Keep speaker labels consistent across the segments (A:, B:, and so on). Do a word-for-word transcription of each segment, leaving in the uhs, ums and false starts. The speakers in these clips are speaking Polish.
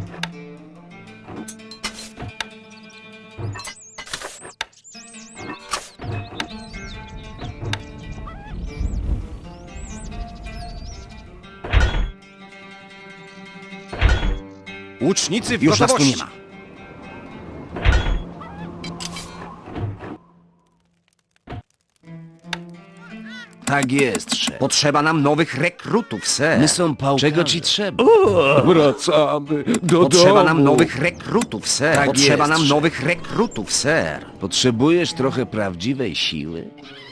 A: Łucznicy w
B: Już nas tu
A: gotowości.
B: nie ma. Tak jest, szef.
A: Potrzeba nam nowych rekrutów, ser.
B: My są pałkarze. Czego ci trzeba?
C: Wracamy do
A: Potrzeba
C: domu.
A: nam nowych rekrutów, ser.
B: Tak
A: Potrzeba
B: jest,
A: nam
B: szef.
A: nowych rekrutów, ser.
B: Potrzebujesz trochę prawdziwej siły?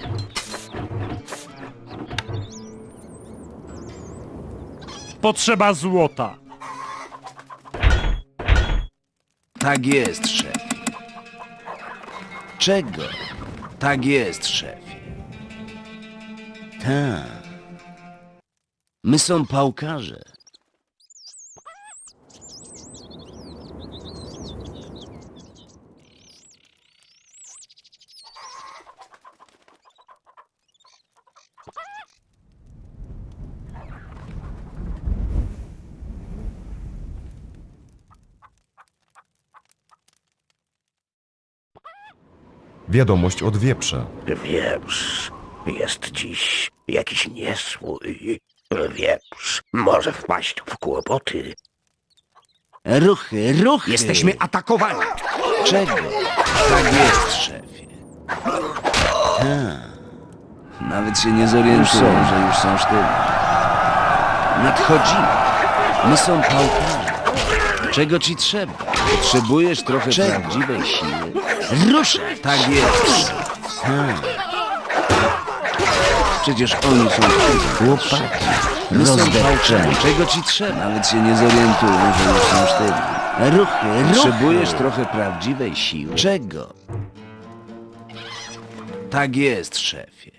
D: Potrzeba złota.
B: Tak jest, szef. Czego? Tak jest, szefie. Tak. My są pałkarze.
E: Wiadomość od wieprza.
F: Wieprz, jest dziś jakiś niesłój. Wieprz może wpaść w kłopoty.
B: Ruchy, ruchy!
A: Jesteśmy atakowani.
B: Czego? Tak jest, szefie. Ha. Nawet się nie zorientują, że już są sztywni. Nadchodzimy. My są pałkarze. Czego ci trzeba? Potrzebujesz trochę prawdziwej siły? Ruszę! Tak jest. Ha. Przecież oni są sztywni. Chłopaki. My są pałkarze. Czego ci trzeba? Nawet się nie zorientują, że już są sztywni. Ruchy, ruchy! Potrzebujesz trochę prawdziwej siły? Czego? Tak jest, szefie.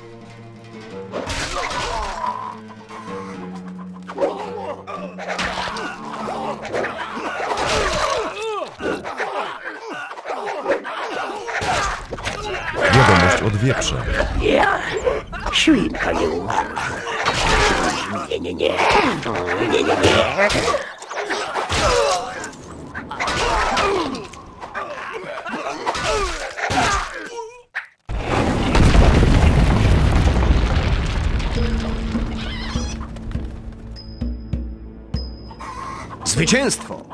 E: Wiadomość od wieprza.
F: Ja, świnka nie umarła. Nie, nie, nie. Nie, nie, nie.
A: Zwycięstwo!